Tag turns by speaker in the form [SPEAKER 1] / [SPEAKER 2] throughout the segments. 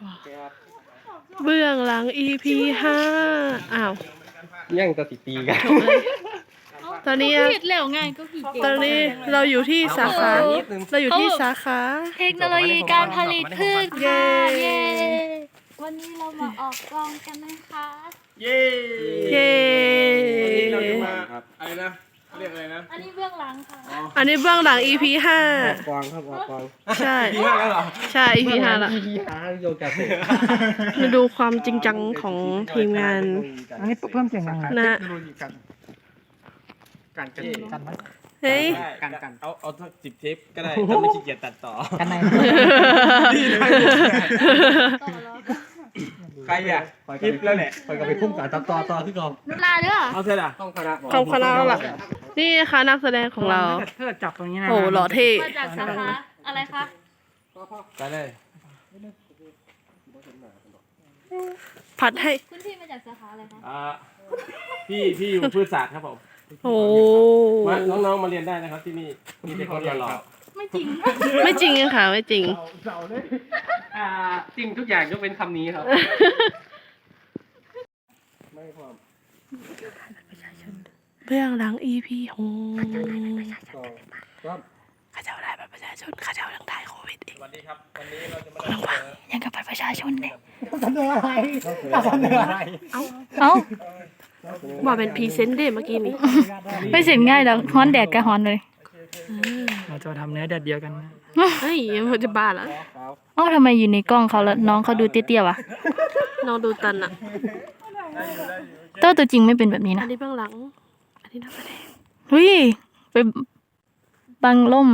[SPEAKER 1] เบื้องหลัง EP 5อ้าว
[SPEAKER 2] ยังจะติดตีกัน
[SPEAKER 1] ตอนนี้
[SPEAKER 3] ผิดแล้วไงก็ผิด
[SPEAKER 1] ตอนนี้เราอยู่ที่สาขา
[SPEAKER 3] เทคโนโลยีการผลิตพืชค่ะเย้วันนี้เรามาออกกองกันนะคะ
[SPEAKER 2] เย้เราจะมาอะไรนะเรียกอะไรนะ
[SPEAKER 3] อันนี้เบื้องหลังค่ะ
[SPEAKER 1] อันนี้เบื้องหลัง EP 5
[SPEAKER 2] กวางครับกวาง
[SPEAKER 1] ใช่
[SPEAKER 2] EP 5แล้วเหรอ
[SPEAKER 1] ใช่ EP 5แล้ว
[SPEAKER 2] EP 5โยกาเซ่
[SPEAKER 1] มาดูความจริงจังของทีมงาน
[SPEAKER 4] อันนี้เพิ่มเสียงยังไง
[SPEAKER 1] นะ
[SPEAKER 2] กันไหม
[SPEAKER 1] เฮ้ย
[SPEAKER 2] กันเอาสัก10 เทปก็ได้ถ้าไม่ขี้เกียจตัดต่อ
[SPEAKER 4] กันไหน
[SPEAKER 2] ใครอ่ะคลิปแล้วแหละไปกับไปพุ่งกับต่อที่กอง
[SPEAKER 3] ลาเด้อ
[SPEAKER 2] เอาเสร็จอ่ะ
[SPEAKER 1] ต้องคณะหลักนี่นะคะนักแสดงของเรา
[SPEAKER 4] เธอจับตรงนี้นะ
[SPEAKER 1] โอ้หล่อเท่
[SPEAKER 3] มาจากสาขาอะไรคะ
[SPEAKER 2] ไปเลย
[SPEAKER 1] ผัดให้
[SPEAKER 3] คุณพี่มาจากสาขาอะไรคะ
[SPEAKER 2] พี่อยู่พืชศาสตร์ครับผม
[SPEAKER 1] โอ้
[SPEAKER 2] น้องๆมาเรียนได้นะครับที่นี่มีเด็กเขาเรียนหรอ
[SPEAKER 3] ไม่จริง
[SPEAKER 1] ไม่จริงค่ะไม่จริง
[SPEAKER 2] จริงทุกอย่างยกเว้นคำนี้ครับไม่พร้อม
[SPEAKER 1] เบื้องหลัง EP 6ข้าเจ้าได้บัตรประชาชนข้าเจ้ายังได้โควิดอีก
[SPEAKER 2] สวัสดีครับวันนี้เราจะมา
[SPEAKER 1] ยังกับบัตรประชาชนเนี่ย
[SPEAKER 4] เสนออะไร
[SPEAKER 1] เอ้าว่าเป็นพรีเซนต์เด้เมื่อกี้นี้
[SPEAKER 3] ไม่เสร็จง่ายแล้วฮ้อนแดดกับฮ้อนเลย
[SPEAKER 4] เราจะทำเนื้อแดดเดียวกัน
[SPEAKER 1] เฮ้ยมันจะบ้าแล้ว
[SPEAKER 3] ทำไมอยู่ในกล้องเขาแล้วน้องเขาดูเตี้ยๆวะ
[SPEAKER 1] น้องดูตันอะ
[SPEAKER 3] ตัวจริงไม่เป็นแบบนี้นะ
[SPEAKER 1] อันนี้เบื้องหลังอันนี้นักแสดง
[SPEAKER 3] เฮ้ยไปบังล่ม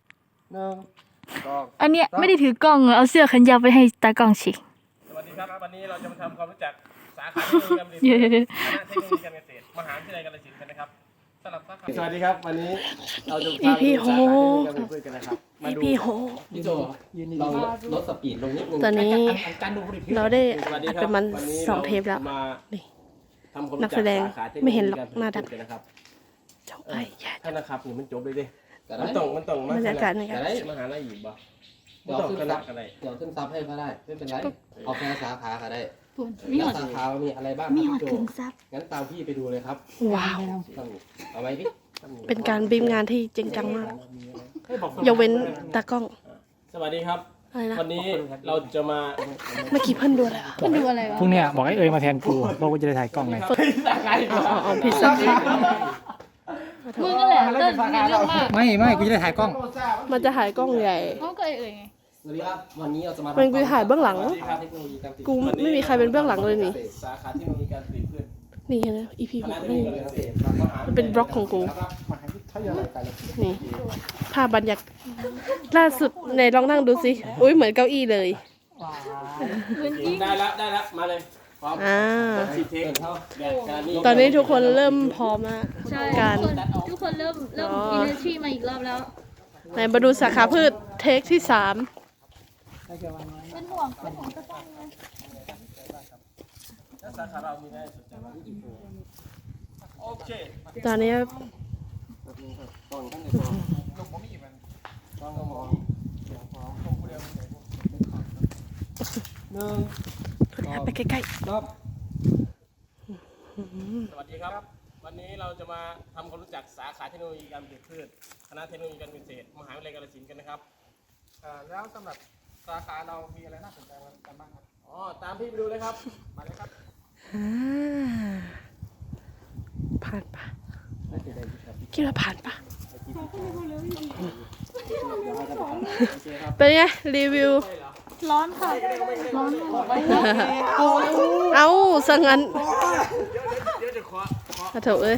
[SPEAKER 3] อันเนี้ยไม่ได้ถือกล้องเอาเสื้อแขนยาวไปให้ตากล้องฉีก
[SPEAKER 2] สวัสดีครับวันนี้เราจะมาทำความรู้จักสาขาเทคโนโลยีการผลิตคณะเทคโนโลยีการเกษตรมหาวิทยาลัยกาฬสินธุ์กันนะครับสำหรับสาขาสวัสดีครับวันนี้เราจะพาไปสาขาเทคโนโลยีการผลิตพืชกันนะครับมาดูพี่โจเราลดสปีดลงนิดนึง
[SPEAKER 1] ตอนนี้เราได้อัดประมาณ2 เทปแล้วนี่นักแสดงไม่เห็นหรอกหน้าดำจบเลย
[SPEAKER 2] ถ้านะครับนี่มันจบเลยดิมันต้องมา
[SPEAKER 1] บรรยากาศนี่
[SPEAKER 2] ครับมหาลัยอยู่บ่
[SPEAKER 5] เดี๋ยวขึ้นซับให้ก็ได้ไม่เป็นไรเอาแค่สาขาก็ได้สาขามีอะไรบ้างครับพี่โจงั้นตามพี่ไปดูเลยครับ
[SPEAKER 1] ว้าว
[SPEAKER 5] เอาไหมพี่
[SPEAKER 1] เป็นการบีมงานที่จริงจังมากยกเว้นตากล้อง
[SPEAKER 2] สวัสดีครับวันนี้เราจะมา
[SPEAKER 1] เมื่อกี้เพิ่นดูอะไร
[SPEAKER 3] เพิ่นดูอะไรวะ
[SPEAKER 4] พรุ่งนี้บอกให้เอ๋ยมาแทนกูเพราะกูจะได้ถ่ายกล้องไง
[SPEAKER 1] เอาพิซซ่า
[SPEAKER 3] มึงก็แหละเรื่องมาก
[SPEAKER 4] ไม่กูจะได้ถ่ายกล้อง
[SPEAKER 1] มันจะถ่ายกล้องใหญ่
[SPEAKER 3] เขาก็เอ่ยไง
[SPEAKER 5] สวัสดีครับวันนี้เราจะมา
[SPEAKER 1] มันกูถ่ายเบื้องหลังกูไม่มีใครเป็นเบื้องหลังเลยนี่
[SPEAKER 2] สาขาเทคโนโลยีการผลิตพืช
[SPEAKER 1] นี่นะ EP 6นี่มันเป็นบล็อกของกูนี่ภาพบรรยากาศล่าสุดในลองนั่งดูสิอุ้ยเหมือนเก้าอี้เลย
[SPEAKER 2] ได้แล้วมาเลยพร้อม
[SPEAKER 1] ตอนนี้ทุกคนเริ่มพร้อมแล้วการ
[SPEAKER 3] ทุกคนเริ่มenergy มาอีกรอบแล้ว
[SPEAKER 1] ไหนมาดูสาขาพืชเทคที่3
[SPEAKER 3] เป็นห่วงสักวันเลย
[SPEAKER 2] สาขาเรามีได้สนใจว่าโอเค
[SPEAKER 1] ตอนนี้ไปใกล้ๆ
[SPEAKER 2] สวัสดีครับวันนี้เราจะมาทำความรู้จักสาขาเทคโนโลยีการผลิตพืชคณะเทคโนโลยีการเกษตรมหาวิทยาลัยกาฬสินธุ์กันนะครับแล้วสำหรับสาขาเรามีอะไรน่าสนใจกันบ้างครับตามพี่ไปดูเลยครับมาเลยครับ
[SPEAKER 1] ผ่านปะคิดว่าผ่านปะเป็นไงรีวิว
[SPEAKER 3] ร้อนค่ะร้อน
[SPEAKER 1] เอาสังงั้นขอโทษ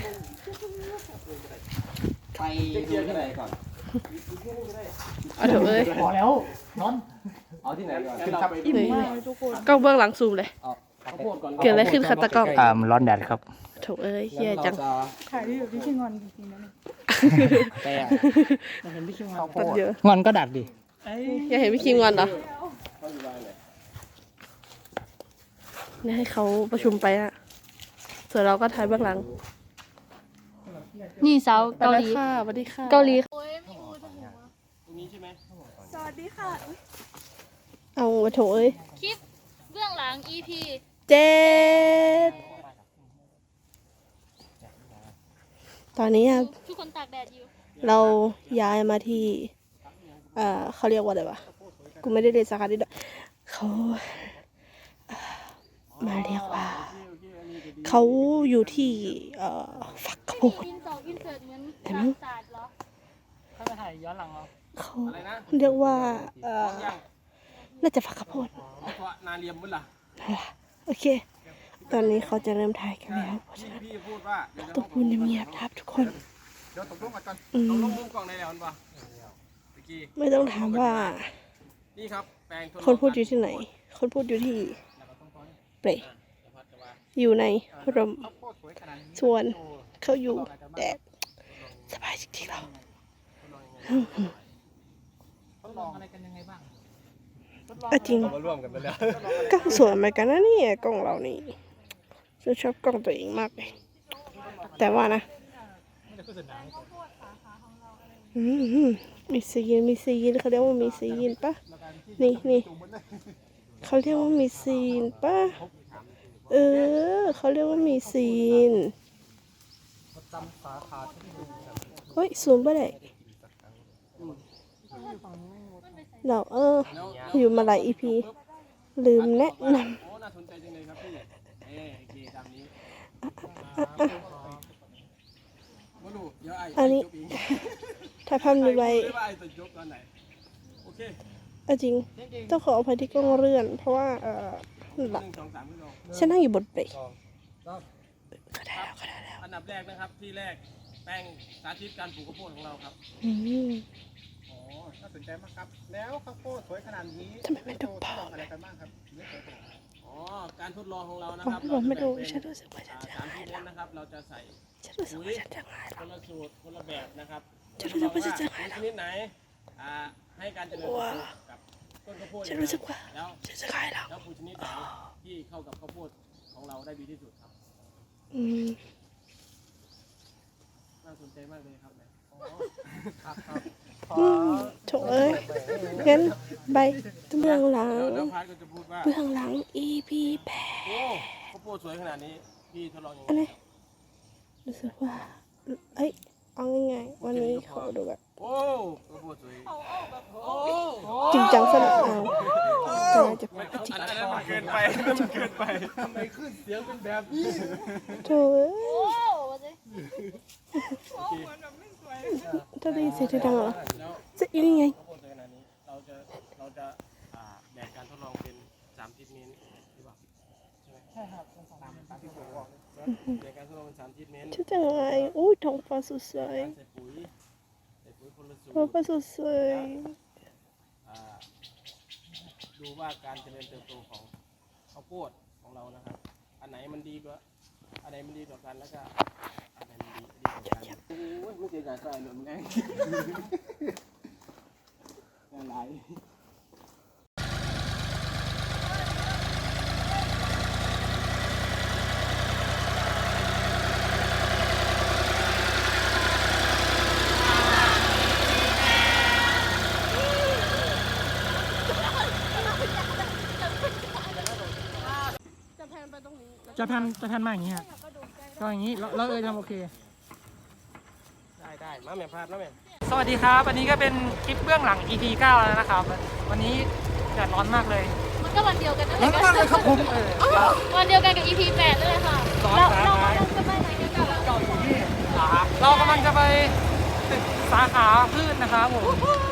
[SPEAKER 5] ไปดูที่ไหนก่อน
[SPEAKER 1] เอาเถอะ
[SPEAKER 4] พอแล้วร้อน
[SPEAKER 5] เอาที่ไหนก่อน
[SPEAKER 1] กล้องเบื้องหลังซูมเลยเกิดอะไรขึ้นคะตากล้อง
[SPEAKER 4] ร้อนแดดครับ
[SPEAKER 1] โถเฮียจัง
[SPEAKER 3] ถ่ายอยู่ที่ชิงอนจริงๆนะ
[SPEAKER 5] แต่
[SPEAKER 4] เห็นพี่คิงงอนก็ดัดดิ
[SPEAKER 1] อยากเห็นพี่คิงงอนเหรอเนี่ยให้เขาประชุมไปอะส่วนเราก็ถ่ายเบื้องหลัง
[SPEAKER 3] นี่สาวเกาหลี
[SPEAKER 1] สวัสดีค่ะ
[SPEAKER 3] เกาหลี
[SPEAKER 2] ตรงนี้ใช่ไหม
[SPEAKER 3] สวัสดีค่ะ
[SPEAKER 1] เอาโถคลิป
[SPEAKER 3] หลัง EP
[SPEAKER 1] 7ตอนนี้ครับ
[SPEAKER 3] ทุกคนตากแดดอยู่
[SPEAKER 1] เราย้ายมาที่เขาเรียกว่าอะไรวะ กูไม่ได้เรียนสาขานี้ด้วยเขามาเรียกว่า เขาอยู่ที่ฝักข้าวโพด
[SPEAKER 3] อินสองอินเสิร์ตเหมือน
[SPEAKER 1] เห็นไหม
[SPEAKER 3] ศาสตร์เหรอ
[SPEAKER 4] เข้าไปถ่ายย้อนหลังเหรอ
[SPEAKER 1] เขาเรียกว่าน่าจะฝักข้าวโพด
[SPEAKER 2] นาเรียมบุญล่ะ
[SPEAKER 1] โอเค ตอนนี้เขาจะเริ่มถ่ายกันแล้ว เพราะฉะนั้น
[SPEAKER 2] พี่พูดว่าเดี๋ยวจะ
[SPEAKER 1] ต้องพูดเงียบๆนะครับทุกคน
[SPEAKER 2] เดี๋ยวตกลงกันก่อน
[SPEAKER 1] อื
[SPEAKER 2] ตกล
[SPEAKER 1] ม
[SPEAKER 2] งมุมกล้องได้แล้วป่ะตะกี้
[SPEAKER 1] ไม่ต้องถามว่า
[SPEAKER 2] นี่ครับแปลง
[SPEAKER 1] คนพูดอยู่ที่ไหน คนพูดอยู่ที่เปรอยู่ในร่มส่วนเขาอยู่แดดสบายจริงๆเรา
[SPEAKER 4] ทดลองอะไรกันยังไงบ้าง
[SPEAKER 1] จริง
[SPEAKER 2] มาร่วมกันไปแล้ว
[SPEAKER 1] ก็สวยเหมือนกันนะเนี่ยกล้องเรานี่ฉันชอบกล้องตัวเองมากเลย แต่ว่านะมีซีนเขาเรียกว่ามีซีนปะนี่เขาเรียกว่ามีซีนปะเขาเรียกว่ามีซีนเฮ้ยซูมไปเลยเราอยู่มาหลาย EP ลืมแนะนำ
[SPEAKER 2] โอ้น่าสนใจจังเลยครับพี่โอเคตามนี้มาดูเดี๋ยวไอ้
[SPEAKER 1] อันนี้
[SPEAKER 2] จบเอง
[SPEAKER 1] ถ่ายภาพนี้ไว้
[SPEAKER 2] ไม่ว่าไอ้จะจบตอนไหนโอเค
[SPEAKER 1] จริงต้องขออภัยที่กล้องเลื่อน เพราะว่าหลับ
[SPEAKER 2] 1 2 3ขึ้นลง
[SPEAKER 1] ฉันนั่งอยู่บนเปรย์ก็ได้แล้ว
[SPEAKER 2] อันดับแรกนะครับที่แรกแป้งสาธิตการปลูกข้าวโพดของเราครับ
[SPEAKER 1] อืม
[SPEAKER 6] อ๋อน่าสนใจมากครับ แล้วข้าวโพดสวยขนาดนี้
[SPEAKER 1] ทำไมไม่ดู
[SPEAKER 6] ทดลองอะไรกันบ้างครับไม่เคยดู
[SPEAKER 2] อ๋อการทดลองของเรานะ
[SPEAKER 1] อ๋อ
[SPEAKER 2] ครับ
[SPEAKER 1] พี่บอกไม่ดู
[SPEAKER 2] เราจะ
[SPEAKER 1] ฉัน
[SPEAKER 2] แบ่ง
[SPEAKER 1] รู้สึกว่าฉันจะ
[SPEAKER 2] เป็น3
[SPEAKER 1] หาย
[SPEAKER 2] ที่
[SPEAKER 1] แล้ว
[SPEAKER 2] นะครับเราจะใส่
[SPEAKER 1] ฉันรู้สึกว่าฉันจะหาย
[SPEAKER 2] ค
[SPEAKER 1] แล้ว
[SPEAKER 2] นละสูตรคนละแบบนะครับ
[SPEAKER 1] ฉันรู้สึกว่าฉันจะหาย
[SPEAKER 2] ชนิดไหนให้การเจริญเติบโตกับต้นข้าวโพด
[SPEAKER 1] ฉันรู้สึกว่า
[SPEAKER 2] แล้ว
[SPEAKER 1] ฉันจะหายแล้ว
[SPEAKER 2] แล้วปุ๋ยชนิดไหนที่เข้ากับข้าวโพดของเราได้ดีที่สุดครับ
[SPEAKER 1] อืม
[SPEAKER 2] น่าสนใจมากเลยครับเนี่ย
[SPEAKER 1] โถเอ้ยงั้นไปเบื้องหลัง
[SPEAKER 2] แล้วพาร์ทก็จะพูดว่า
[SPEAKER 1] เบื้องหลัง EP 8
[SPEAKER 2] โอ้ข้าวโพดสวยขนาดนี้พี่ทดลองยังไง
[SPEAKER 1] อันนี้รู้สึกว่าเอาง่ายๆวันนี้ขอดูแบบ
[SPEAKER 2] โอ้ข้าวโพดสวยโอ้
[SPEAKER 1] จริงจังสนุกเอาแต่น่าจะ
[SPEAKER 2] อันนั้นมันเกินไปอันนั้นมันเกินไปทำไมขึ้นเสียงเป็นแบบนี้
[SPEAKER 1] โถเอ้ย
[SPEAKER 3] โอ้
[SPEAKER 1] ถ้าได้ยินเสียงที่ดังเหรอ
[SPEAKER 2] แล้ว
[SPEAKER 1] จะยังไง
[SPEAKER 2] ข้าวโพดสวยขนาดนี้เราจะแบ่งการทดลองเป็น3ทิศนี้หรือเปล่าใช่ครับตามที่ผมบอกแบ่งการทดลองเป็น3ทิศนี้
[SPEAKER 1] ชื่อจังไงอุ้ยท้องฟ้าสดใส
[SPEAKER 2] ใส่ปุ๋ยคนละสูต
[SPEAKER 1] ท้อง
[SPEAKER 2] ร
[SPEAKER 1] ฟ้าสดใส
[SPEAKER 2] ดูว่าการเจริญเติบโตของข้าวโพดของเรานะครับ อันไหนมันดีกว่ากันแล้วก็อันไหนมันดีกว่ากันโอ้ยไม่เสียใจใส่หนุนไงอะไร
[SPEAKER 1] จะแพนไปตรงนี้
[SPEAKER 4] จะแพนมาอย่างงี้ฮะก็อย่างงี้เราทำโอเค
[SPEAKER 2] ได้มาแม่พลาดนะแม่
[SPEAKER 4] สวัสดีครับ อันนี้ก็เป็นคลิปเบื้องหลัง EP 9 แล้วนะครับ วันนี้แดดร้อนมากเลย
[SPEAKER 3] มันก็วันเดียวกันนั่นแห
[SPEAKER 4] ร้อ
[SPEAKER 3] ละ
[SPEAKER 4] นมากเลยครับผม
[SPEAKER 3] วันเดียวกันกับ EP 8เลยค่ะ เรากำลังจะไปไหนกันกัน
[SPEAKER 4] เรากำลังจะไปตึกสาขาพืชนะครับผม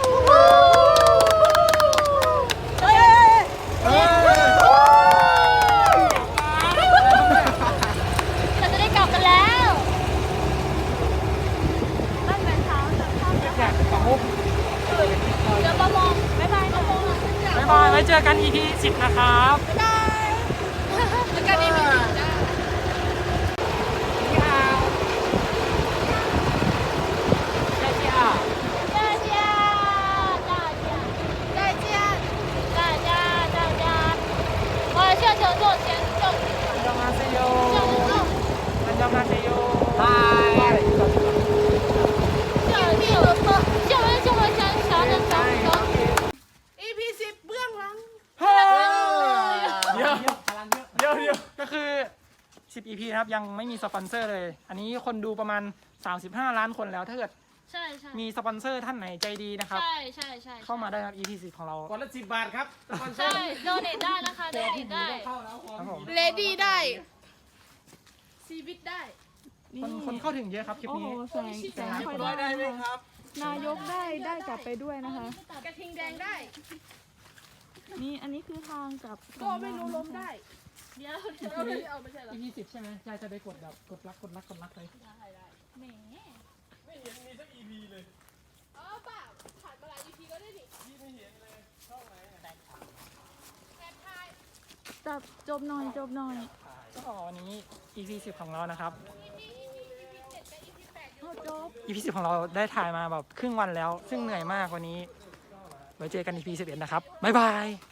[SPEAKER 3] เราจะได้กลับกันแล้วบ้านแฟนเท้าจากข้าว
[SPEAKER 4] อยากกลับมุก
[SPEAKER 3] เดี๋ยวประมงบ๊ายบายประมง
[SPEAKER 4] บ๊ายบายไว้เจอกัน EP 10 นะครับ
[SPEAKER 3] บ๊ายบายแล้วกัน EP 10จ้า
[SPEAKER 4] คือ 10 EP นะครับยังไม่มีสปอนเซอร์เลย อันนี้คนดูประมาณ 35 ล้านคนแล้วถ้าเกิด
[SPEAKER 3] ใช่ใช่
[SPEAKER 4] มีสปอนเซอร์ท่านไหนใจดีนะครับ
[SPEAKER 3] ใช่ใช่ใช่
[SPEAKER 4] เข้ามาได้ครับ EP 10ของเรา
[SPEAKER 2] ก่อนละ10 บาทครับสปอนเซอ
[SPEAKER 3] ใช่
[SPEAKER 2] ร์
[SPEAKER 3] โดเนทได้นะคะโดเนทได้
[SPEAKER 4] ครับผม
[SPEAKER 1] เลดี้ได้ชีวิตได้
[SPEAKER 4] คนเข้าถึงเยอะครับคลิป
[SPEAKER 7] โอ้โห
[SPEAKER 4] นี้
[SPEAKER 7] แสงค่อยได้นะคะนายกได้กลับไปด้วยนะคะ
[SPEAKER 1] กระทิงแดงได้
[SPEAKER 7] นี่อันนี้คือทางกลับ
[SPEAKER 1] ก็ไม่รู้ล้มได้
[SPEAKER 3] เดี๋ยว
[SPEAKER 1] เราไม่เอาไม่ใช่เหรอ
[SPEAKER 4] EP 10ใช่ไหมยายจะไปกดแบบกดรักเลย
[SPEAKER 3] แหม
[SPEAKER 2] ไม่เห็นมีสัก EP เลย
[SPEAKER 1] อ๋อเปล่าผ่านมาหลาย EP ก็ได้ดิ
[SPEAKER 2] พี่ไม่เห็นเลยช่องไหนอะ
[SPEAKER 1] แอบถ่าย
[SPEAKER 7] จับจบหน่อย
[SPEAKER 4] ก็วันนี้ EP 10ของเรานะครับ
[SPEAKER 7] จบ
[SPEAKER 4] EP 10ของเราได้ถ่ายมาแบบครึ่งวันแล้ว ซึ่งเหนื่อยมากวันนี้ ไว้เจอกัน EP 11นะครับบ๊ายบาย